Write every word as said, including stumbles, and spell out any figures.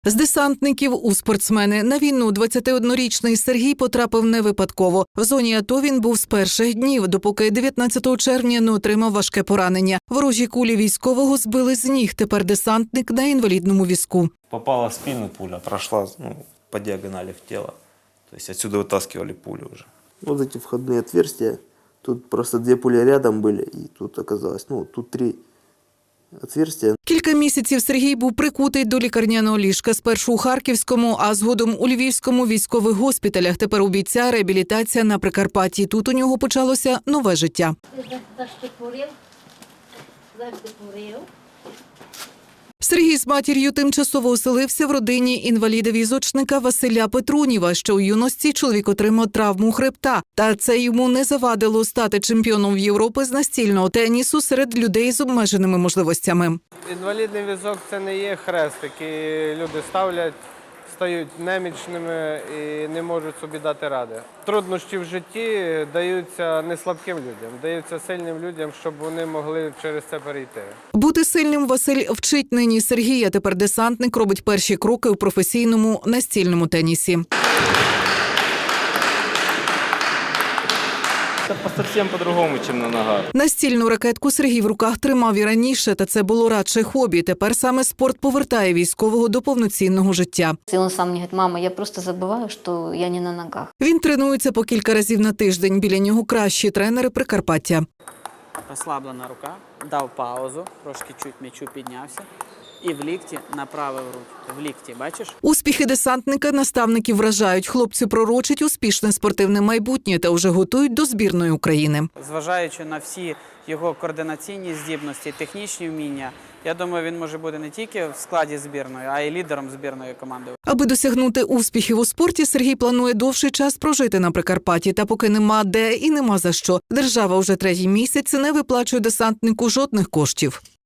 З десантників у спортсмени. На війну двадцятиоднорічний Сергій потрапив не випадково. В зоні АТО він був з перших днів, допоки дев'ятнадцятого червня не отримав важке поранення. Ворожі кулі військового збили з ніг. Тепер десантник на інвалідному візку. Попала в спину пуля, прошла ну, по диагонали в тело. То есть отсюда вытаскивали пулю уже. Вот эти входные отверстия, тут просто две пули рядом были, и тут оказалось, ну, тут три отверстия. Кілька місяців Сергій був прикутий до лікарняного ліжка. Спершу у Харківському, а згодом у Львівському військових госпіталях. Тепер у бійця реабілітація на Прикарпатті. Тут у нього почалося нове життя. Сергій з матір'ю тимчасово оселився в родині інваліда-візочника Василя Петруніва. Ще у юності чоловік отримав травму хребта. Та це йому не завадило стати чемпіоном Європи з настільного тенісу серед людей з обмеженими можливостями. Інвалідний візок – це не є хрест, який люди ставлять, стають немічними і не можуть собі дати ради. Труднощі в житті даються не слабким людям, даються сильним людям, щоб вони могли через це перейти. Бути сильним Василь вчить нині Сергія. Тепер десантник робить перші кроки у професійному настільному тенісі. Це зовсім по-другому, ніж на ногах. Настільну ракетку Сергій в руках тримав і раніше, та це було радше хобі. Тепер саме спорт повертає військового до повноцінного життя. Він сам мені говорить: мама, я просто забуваю, що я не на ногах. Він тренується по кілька разів на тиждень. Біля нього кращі тренери Прикарпаття. Розслаблена рука, дав паузу, трошки чуть м'ячу піднявся. І в лікті направив руку. В лікті, бачиш? Успіхи десантника наставники вражають. Хлопці пророчать успішне спортивне майбутнє та вже готують до збірної України. Зважаючи на всі його координаційні здібності, технічні вміння, я думаю, він може бути не тільки в складі збірної, а й лідером збірної команди. Аби досягнути успіхів у спорті, Сергій планує довший час прожити на Прикарпатті. Та поки нема де і нема за що. Держава вже третій місяць не виплачує десантнику жодних коштів.